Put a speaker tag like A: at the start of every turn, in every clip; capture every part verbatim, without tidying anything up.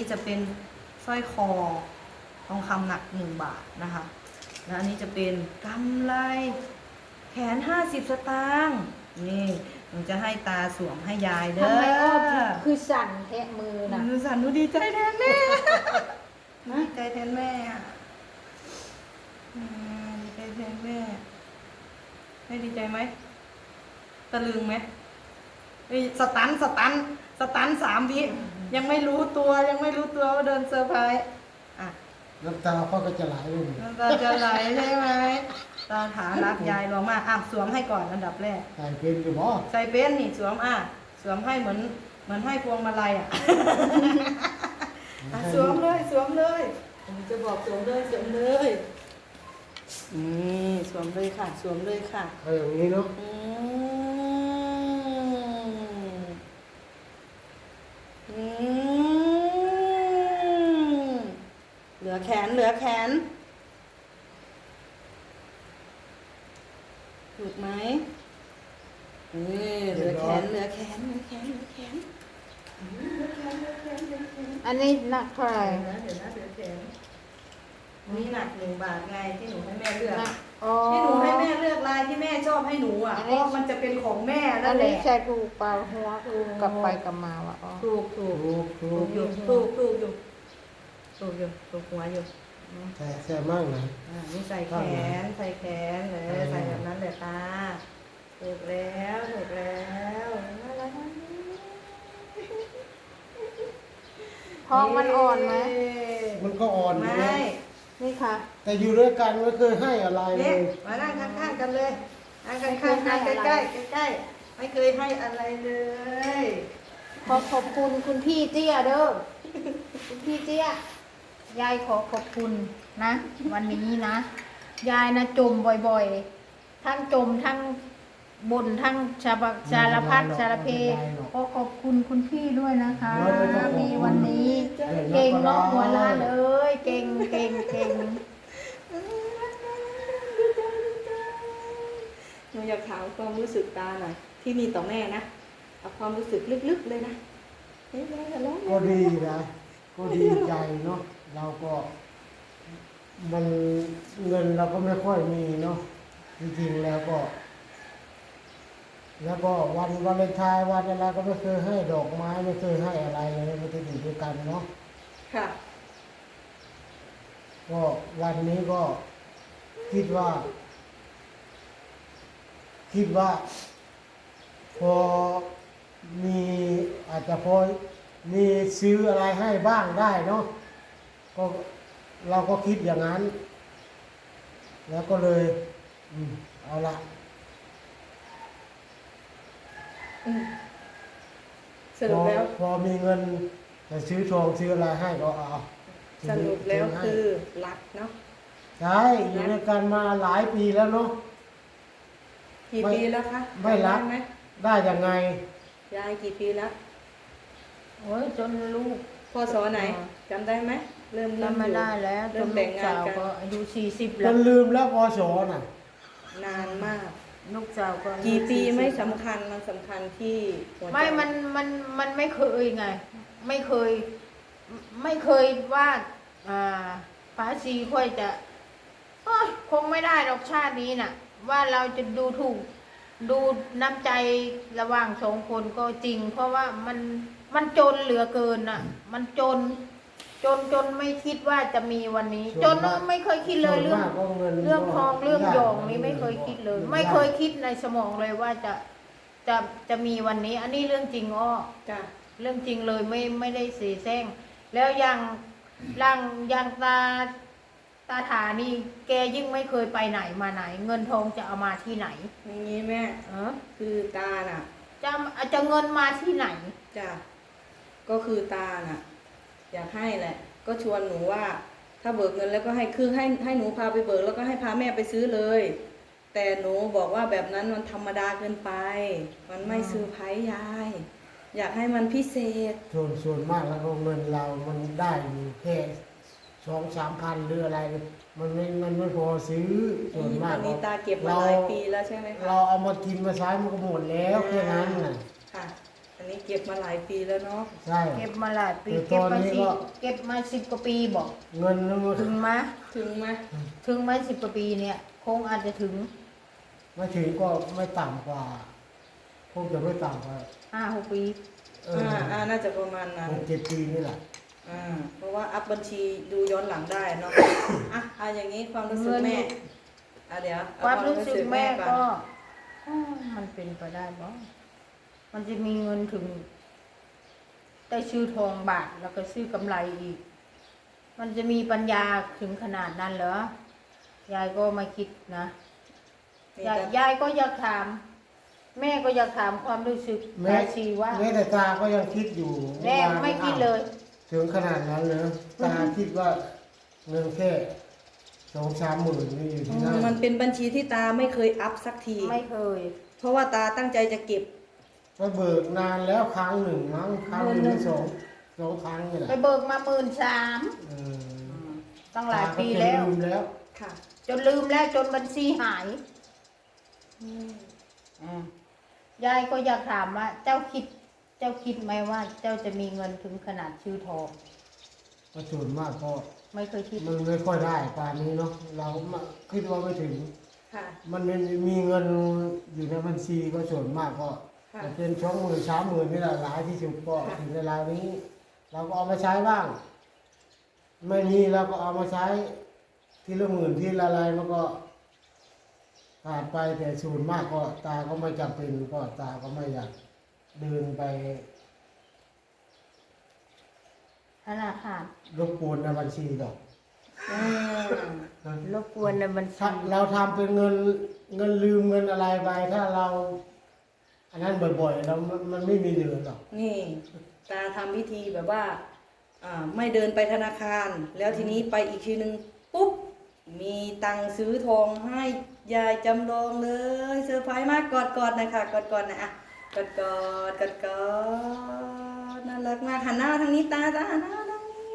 A: จะเป็นสร้อยคอทองคำหนักหนึ่งบาทนะคะแล้วอันนี้จะเป็นกำไลแขนห้าสิบสตางค์นี่หนูจะให้ตาสวมให้ยายเด้อ
B: ทำไมอ้อคือสั่นแทะมือนะ
A: หนูสั่นหนูดีใจแทนแม่ดีใจแทนแม่อะอืมดีใจแทนแม่แม่ดีใจไหมตะลึงไหมเฮ้ยสตันสตันสตันสามวิยังไม่รู้ตัวยังไม่รู้ตัวว่าเดินเซอร์ไพรส์อ่ะ
C: น้ำตาพ่อก็จะไหลเลย
A: น้ำตาจะไหลใช่ไหมตาถารักยายหลวงมากอ่ะสวมให้ก่อนอันดับแรก
C: ใส่เป็นอยู่บ่
A: ใส่เป็นนี่สวมอ่ะสวมให้เหมือนเหมือนให้พวงมาลัยอ่ะ อ่ะสวมเลยสวมเลยผมจะบอกสวมเลยสวมเลยนี่สวมเลยค่ะสวมเลยค่ะ
C: เอาอย่างนี้เนาะ
A: อืมอืมเหลือแขนเหลือแขนถูกไหมนี่เหลือแขนเหลือแขนเหลือแขนเหลือแขนเหลือแขนเหลือแขนเหลือแขน
B: อันนี้หนักเท่าไหร่
A: เดี๋ยวนะเดี๋ยวนะเดี๋ยวแขนนี่หนักหนึ่งบาทไงที่หนูให้แม่เลือก
B: หนักอ๋อ
A: ที่หนูให้แม่เลือกลายที่แม่ชอบให้หนูอ่ะ
B: อัน
A: เพ
B: นี้
A: ราะมันจะเป็นของแม่
B: อั
A: นั่
B: น
A: นแห
B: นี้
A: ละ
B: ใช่ถูกเปล่าหัวถูกกลับไปกลับมาวะอ๋อ
A: ถูกถูก
C: ถูกถู
A: ถู
C: ก
A: กอยู่ถูกถูกอยู่ถูกอยู่ถูกหัวอยู่
C: แซ่แซ่มากนะ
A: อ่านี่ใส่แขนใส่แขนเลยใส่แบบนั้นเลยตาถูกแล้วถูกแล้วน่ารักมาก
B: ท้องมันอ่อนไหม
C: มันก็อ่อนอยู่
A: ไม่
C: นะ
B: นี่ค่ะ
C: แต่อยู่ด้วยกันไม่เคยให้อะไรเล
A: เนี่ย
C: ย
A: มานั่งข้างๆกันเลยนั่งข้างๆกันใกล้ๆใกล้ๆไม่เคยให้อะไรเลย
B: ขอขอบคุณคุณพี่เตี้ยเด้อคุณพี่เตี้ยยายขอขอบคุณนะ วันนี้นะ ยายนะจมบ่อยๆ ทั้งจมทั้งบ่นทั้งชาบะสารพัดสารเพขอขอบคุณคุณพี่ด้วยนะคะ มีวันนี้ เก่งเนาะหัวล้านเอ้ยเก่งเก่งเก่ง
A: หนูอยากถามความรู้สึกตาหน่อยที่มีต่อแม่นะเอาความรู้สึกลึกๆเลยนะเฮ้ยร้องร้อง
C: ก็ดีนะ ก็ดีใจเนาะเราก็มันเงินเราก็ไม่ค่อยมีเนาะจริงๆแล้วก็ แล้วก็วันวาเลนไทน์วันอะไรก็ไม่เคยให้ดอกไม้ไม่เคยให้อะไรเลยไม่ได้อยู่ด้วยกันเนาะ
A: ค่ะ
C: ก็วันนี้ก็คิดว่า คิดว่า พอมีอาจจะพอมีซื้ออะไรให้บ้างได้เนาะก็เราก็คิดอย่างนั้น แล้วก็เลย อืมเอาละ
A: อืมส
C: พ
A: รุ
C: อ
A: ปแล้ว
C: พอมีเงินจะซื้อทองซื้ออะไรให้ก็เอา
A: สรุปแล้ว
C: ซื้ให้
A: คือรักเนาะ
C: ใช่อยู่ด้วยกันมาหลายปีแล้วเนาะ
A: กี่
C: ไม่
A: ปีแล้วคะ
C: ไม่รัก
A: จำด้ไหม
C: ได้ยังไง
A: ยายกี่ปีแล้ว
B: โอ้ยจนลูก
A: พศไหนจำได้ไหมเริ่มเริ่ม
B: จำไม่
A: อยู่
B: ได้แล้วจ
A: เริ่
B: น
A: ม
B: ลู
A: แต่ง
B: ก
A: งา
B: สาน ว
A: กัน
B: ก็อายุสี่สิบ
C: จ
B: แล้ว
C: นลืมแล้วพอสอน่ะ
A: นานมาก
B: ลูกสาวก็อายุ
A: กี่ปี
B: สี่สิบ
A: ไม่สำคัญมันสำคัญที่หัวใจ
B: ไม่มันมันมันไม่เคยไง ไม่เคย ไม่เคยว่าอ่าป้าซีค่อยจะโอ๊ยคงไม่ได้หรอกชาตินี้น่ะ ว่าเราจะดูถูก ดูน้ำใจระหว่างสองคนก็จริง เพราะว่ามันมันจนเหลือเกินน่ะ มันจน จนจนไม่คิดว่าจะมีวันนี้ จนไม่เคยคิดเลยเรื่อง
C: ส่วนมากก็เงิน
B: เรื่องทองเรื่องหยอง
C: ยาก
B: นี้ไม่เคยคิดเลย
C: ยาก
B: ไม่เคยคิดในสมองเลยว่าจะจะจะมีวันนี้ อันนี้เรื่องจริงอ้อ
A: จ้ะ
B: เรื่องจริงเลยไม่ไม่ได้เสแสร้งแล้วอย่างร่างอย่างตาตาถานี่แกยิ่งไม่เคยไปไหนมาไหน เงินทองจะเอามาที่ไหน
A: อย่างนี้แม่
B: เออ
A: คือตาน่ะ
B: จะจะเงินมาที่ไหน
A: จ้ะก็คือตาน่ะ อยากให้แหละ ก็ชวนหนูว่า ถ้าเบิกเงินแล้วก็ให้คือให้ให้หนูพาไปเบิกแล้วก็ให้พาแม่ไปซื้อเลย แต่หนูบอกว่าแบบนั้นมันธรรมดาเกินไป มันไม่ซื้อร์ไพรส์ยาย อยากให้มันพิเศษ
C: ส่วนส่วนมากแล้วก็เงินเรามันได้อยู่แค่สองสามพันหรืออะไร มันไม่มันไม่พอซื้อส่วนมาก
A: อันนี้ตาเก็บมาหลายปีแล้วใช่ไหมคะ
C: เราเอามากินมาใช้มันก็หมดแล้วแค่นั้นน่ะ
A: ค่ะอันนี้เก็บมาหลายปีแล้วเนาะ
C: ใช่
B: เก็บมาหลายปี
C: แต่
B: เก็บ
C: ตอน
B: มา
C: นี้
B: สิ
C: ก็
B: เก็บมาสิบกว่าปีบอก
C: เงินนึง
B: ถึงไหม
A: ถึงไหม
B: ถึงไหมสิบกว่าปีเนี่ย คงอาจจะถึง
C: ไม่ถึงก็ไม่ต่ำกว่าคงจะไม่ต่ำกว่า
B: ห้าหกปี
C: เอ
A: อ่า
C: อ
A: อ่าน่าจะประมาณนั้น
C: หกเจ็ดปีนี่แหละ
A: อ่าเพราะว่าอัพบัญชีดูย้อนหลังได้เนาะ อ่ะเอาอย่างนี้ความรู้สึกแม่อ่ะเดี๋ยวเอ
B: ความรู้สึกแม่
A: อน
B: ก็อ้าวมันเป็นไปได้บ่มันจะมีเงินถึง ได้ซื้อทองบาทแล้วก็ซื้อกำไรอีก มันจะมีปัญญาถึงขนาดนั้นเหรอยายก็ไม่คิดนะ
A: มี
B: ยาย
A: แต่
B: ยายก็อยากถาม แม่ก็อยากถามความรู้สึก
C: แม้
B: ยายชีว่า
C: แม้แต่ตาก็ยังคิดอยู่
B: แม่
C: ว่า
B: ไม่คิดเลย
C: ถึงขนาดนั้นเลยตาคิดว่าเงินแค่สองสามหมื่นนี่อยู่
A: อื
C: ที่
A: ม
C: นั่น
A: มันเป็นบัญชีที่ตาไม่เคยอัพสักที
B: ไม่เคย
A: เพราะว่าตาตั้งใจจะเก็บ
C: ก็เบิกนานแล้วครั้งหนึ่งมั้งครั้งหนึ่งหรือสองสองครั้งนี่แหละ
B: ไปเบิกมาหมื่นสาม
C: เออ
B: ตั้งหลายปีแล้ว
C: ตาก็จะลืมแล้ว
A: ค่ะ
B: จนลืมแล้วจนบัญชีหาย
A: อืม
B: อืมยายก็อยากถามว่า เจ้าคิด เจ้าคิดไหมว่า เจ้าจะมีเงินถึงขนาดชื่อทอง
C: ก็ส่วนมากก็
B: ไม่เคยคิด
C: มันไม่ค่อยได้ป่านนี้เนาะเราคิดว่าไม่ถึง
A: ค่ะ
C: มันไม่มีเงินอยู่ในบัญชีก็ส่วนมากก็
A: ค่ะ
C: จะเป็นสองหมื่นสามหมื่นนี่แหละหลายที่สุดก็
A: ค่ะ
C: ถึงเวลานี้ เราก็เอามาใช้บ้าง ไม่มีเราก็เอามาใช้ทีละหมื่นทีละอะไรมันก็ขาดไปแต่ส่วนมากก็ตาก็ไม่จำเป็นก็ตาก็ไม่อยากเดินไป
B: ธนาคาร
C: รบกวนในบัญชีหรอก
A: อืม
B: รบกวนในบัญชี
C: ถ้าเราทำเป็นเงินเงินลืมเงินอะไรไปถ้าเรา อันนั้นบ่อยๆเรามันมันไม่มีเหลือหรอก
A: นี่ ตาทำวิธีแบบว่า อ่า ไม่เดินไปธนาคาร แล้วทีนี้ไปอีกทีนึงปุ๊บ มีตังค์ซื้อทองให้ยายจำลองเลยเซอร์ไพรส์มากกอดกอดๆนะคะกอดกอดๆนะอ่ะกอดกอดกอดกอดน่ารักมากหันหน้าทางนี้ตาตาหันหน้าทางนี้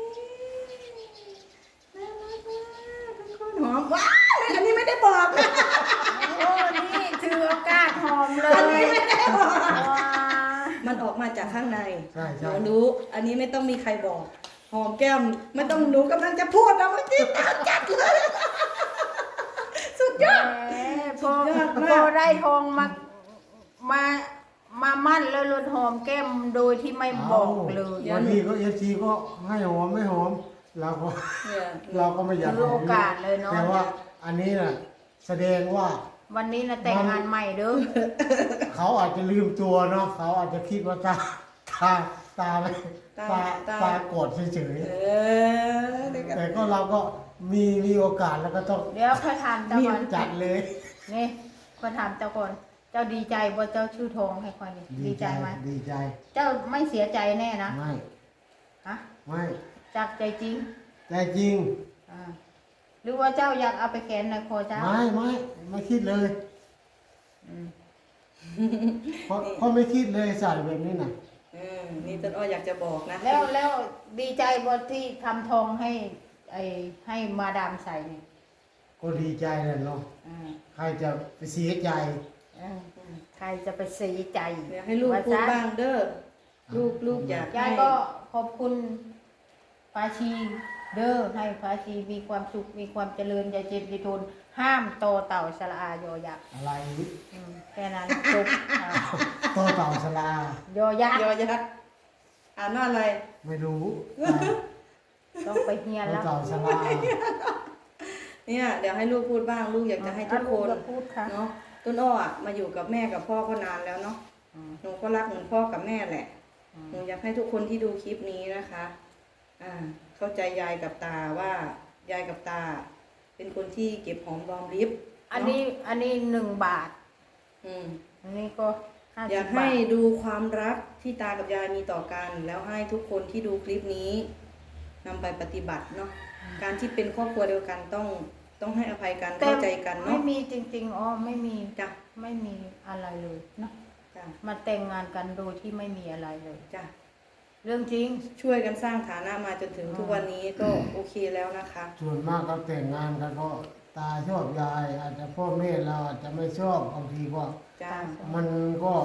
A: น่ารักมากทุกคนหอมว้าวอันนี้ไม่ได้บอกนะ
B: โอ้นี่ถือโอกาสหอมเล
A: อัน
B: ย
A: นี้ไม่ได้บอก
B: ว้า
A: มันออกมาจากข้างใน
C: ใช่ใช่
A: เรารู้ อันนี้ไม่ต้องมีใครบอก หอมแก้ม ไม่ต้องหนูกำลังจะพูดนะเมื่อกี้ตาจัดเลย สุดยอด
B: แหมพอ
A: สุดยอดมาก
B: พอได้ทองมา มา มามั่นแล้วลดหอมแก้มโดยที่ไม่บอกเลย
C: บางทีก็เอฟซีก็ให้หอมไม่หอมเราก็
A: เนี่ย
C: เราก็ไม่อยาก
B: ถือโอกาสเลยเนาะ
C: แต่ว่าอันนี้น่ะ แสดงว่า
B: วันนี้นะแต่งงานใหม่เด้อ
C: เขาอาจจะลืมตัวเนาะเขาอาจจะคิดว่าตาตาตาไม่
A: ตา
C: ตา
A: ตา
C: ตากดเฉย
A: เออเด็ก
C: ๆแต่ก็เราก็มีมีโอกาสแล้วก็ต้อง
B: เดี๋ยวค่อยถามเจ้า
C: รี
B: ก่
C: บ
B: อน
C: จัดเลย
B: นี่ค่อยถามเจ้าก่อน เจ้าดีใจบ่เจ้าชื่อทองให้ค่อยนี่ดีใจไหม
C: ดีใจ
B: เจ้าไม่เสียใจแน่นะ
C: ไม่
B: ฮะ
C: ไม่
B: จากใจจริง
C: แต่จริง
B: อ่าหรือว่าเจ้าอยากเอาไปแขวนในคอเจ้า
C: ไม่ไม่ไม่คิดเลย
B: อืม
C: เพราะเพราะไม่คิดเลยใส่แบบนี้น่ะ
A: เออนี่ต้นอ้ออยากจะบอกนะ
B: แล้วแล้วดีใจบ่ที่ทำทองให้ไอ้ให้มาดามใส่นี่
C: ก็ดีใจแหละเนาะ
B: อ่า
C: ใครจะไปเสียใจ
B: อ่าใครจะไปเสียใจ
A: เดี๋ยวให้ลูกพูดบ้างเด้อ ลูกลูกอยาก
B: ยาย
A: ให้
B: ก็ขอบคุณปาชีเด้อให้ปาชีมีความสุขมีความเจริญอย่าเจ็บอย่าทนห้ามโตเต่าสละอายอยักษ์
C: อะไร
B: อืมแค่นั้นจบอ่า
C: โตเต่าชลาย
B: อยักษ์
A: ยอยักษ์อ่านว่าอะไร
C: ไม่รู้
B: ต้องไปเฮียน
C: โต
B: แล้ว
C: เต่าชลา
A: เนี่ยเดี๋ยวให้ลูกพูดบ้าง ลูกอยากจะให้ทุกคน
B: อ่ะลูพูดค่ะ
A: เนาะต้นอ้ออะมาอยู่กับแม่กับพ่อก็นานแล้วเนาะ
B: อืม
A: หนูก็รักเหมือนพ่อกับแม่แหละ
B: อืม
A: หนูอยากให้ทุกคนที่ดูคลิปนี้นะคะ อ่า เข้าใจยายกับตาว่ายายกับตา เป็นคนที่เก็บหอมรอมริบ
B: อันนี้อันนี้หนึ่งบาท
A: อืม
B: อันนี้ก็ห้า
A: อ
B: สิ
A: ยา
B: บ
A: ก
B: บา
A: ให้
B: ท
A: ดูความรักที่ตากับยายมีต่อกัน แล้วให้ทุกคนที่ดูคลิปนี้นำไปปฏิบัติเนาะ การที่เป็นครอบครัวเดียวกันต้องต้องให้อภัยกันเข้าใจกัน
B: ไม่
A: เนาะ
B: มีจริงๆอ๋อไม่มี
A: จ้ะ
B: ไม่มีอะไรเลยเนาะ
A: จ้ะ
B: มาแต่งงานกันโดยที่ไม่มีอะไรเลย
A: จ้ะ
B: เรื่องจริง
A: ช่วยกันสร้างฐานะมาจนถึงทุกวันนี้ก็โอเคแล้วนะคะ
C: ส่วนมากก็แต่งงานกันก็ตาชอบยาย อาจจะพ่อแม่เราอาจจะไม่ชอบบางทีก็
A: จ้า
C: มันก็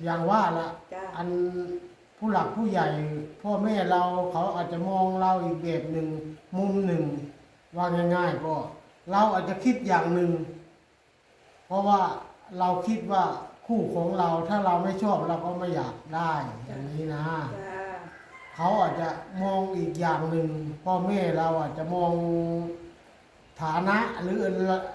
C: อย่างว่าละ
A: จ้า
C: อันผู้หลักผู้ใหญ่ พ่อแม่เราเขาอาจจะมองเราอีกแบบหนึ่งมุมหนึ่งว่าง่ายๆก็เราอาจจะคิดอย่างหนึ่งเพราะว่าเราคิดว่าคู่ของเราถ้าเราไม่ชอบเราก็ไม่อยากได้อย่างนี้นะ
A: จ้า
C: เขาอาจจะมองอีกอย่างหนึ่งพ่อแม่เราอาจจะมองฐานะหรือ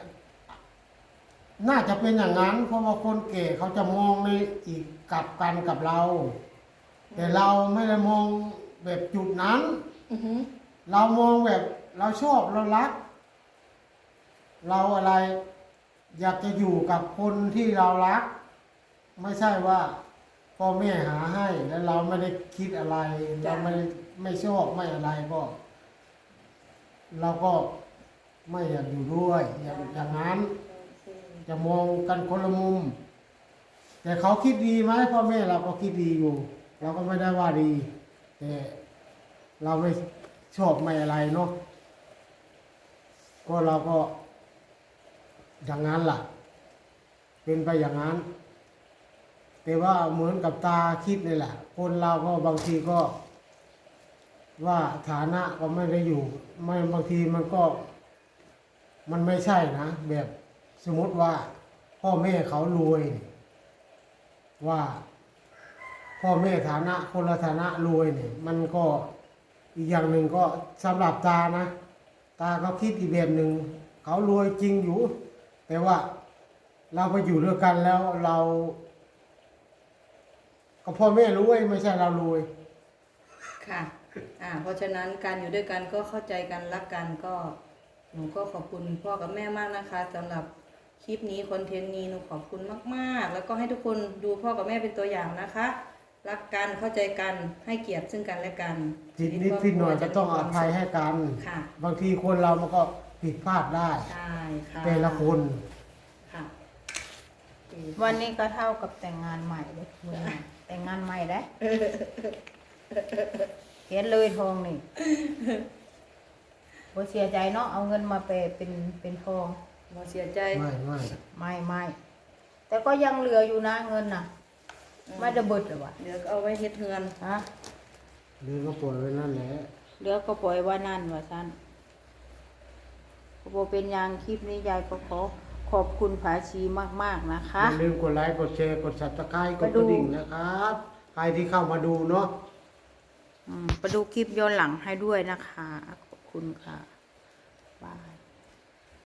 C: น่าจะเป็นอย่างนั้น เพราะว่าคนแก่เขาจะมองในอีกกลับกันกับเรา แต่เราไม่ได้มองแบบจุดนั้น
A: อือหือ
C: เรามองแบบเราชอบเรารัก เราอะไร อยากจะอยู่กับคนที่เรารัก ไม่ใช่ว่าพ่อแม่หาให้ แล้วเราไม่ได้คิดอะไร เราไม่ได้ไม่ชอบไม่อะไรก็ เราก็ไม่อยากอยู่ด้วย อย่างอย่างนั้น จะมองกันคนละมุม แต่เขาคิดดีไหมพ่อแม่เราก็คิดดีอยู่ เราก็ไม่ได้ว่าดี แต่เราไม่ชอบไม่อะไรเนาะก็เราก็อย่างนั้นล่ะ เป็นไปอย่างนั้น แต่ว่าเหมือนกับตาคิดนี่แหละ คนเราก็บางทีก็ ว่าฐานะก็ไม่ได้อยู่ ไม่บางทีมันก็ มันไม่ใช่นะ แบบสมมติว่า พ่อแม่เขารวย ว่า พ่อแม่ฐานะคนละฐานะรวยเนี่ย มันก็อีกอย่างหนึ่งก็สำหรับตานะ ตาเขาคิดอีกแบบหนึ่งเขารวยจริงอยู่ แต่ว่าเราไปอยู่ด้วยกันแล้วเรา ก็พ่อแม่รวยไม่ใช่เรารวย
A: ค่ะ อ่า เพราะฉะนั้นการอยู่ด้วยกันก็เข้าใจกันรักกันก็หนูก็ขอบคุณพ่อกับแม่มากนะคะสำหรับคลิปนี้คอนเทนต์นี้หนูขอบคุณมากๆ แล้วก็ให้ทุกคนดูพ่อกับแม่เป็นตัวอย่างนะคะ รักกันเข้าใจกันให้เกียรติซึ่งกันและกัน
C: ผิดนิดผิดหน่อยก็ต้องอภัยให้กัน
A: ค่ะ
C: บางทีคนเรามันก็ผิดพลาดได้
A: ใช่ค่ะ
C: แต่ละคน
A: ค่ะ
B: วันนี้ก็เท่ากับแต่งงานใหม่เลยคุณน่ะแต่งงานใหม่ได้เห็นเลยทองนี่บ่เสียใจเนาะเอาเงินมาเปย์เป็นเป็นทอง
A: หมอเสียใจ
C: ไม่ไม่
B: ไม่ไม่แต่ก็ยังเหลืออยู่นะเงินน่ะ ไม่ได้เบิดหรอวะ
A: เดี๋ยวก็เอาไว้เฮ็ดเฮือน
B: ฮะ
C: หรือก็ปล่อยไว้นั่นแหละ
B: เหลือก็ปล่อยไว่านั่นว่าซั่นโบเป็นอยางคลิปนี้ยายก็ขอขอบคุณผาชีมากๆนะคะ
C: อย่าลืมกดไลค์กดแชร์กด ซับสไครบ์ก
B: มา
C: ด
B: ดู
C: กระดิ่งนะครับ ใครที่เข้ามาดูเนาะ
B: อืมไปดูคลิปย้อนหลังให้ด้วยนะคะ ขอบคุณค่ะบาย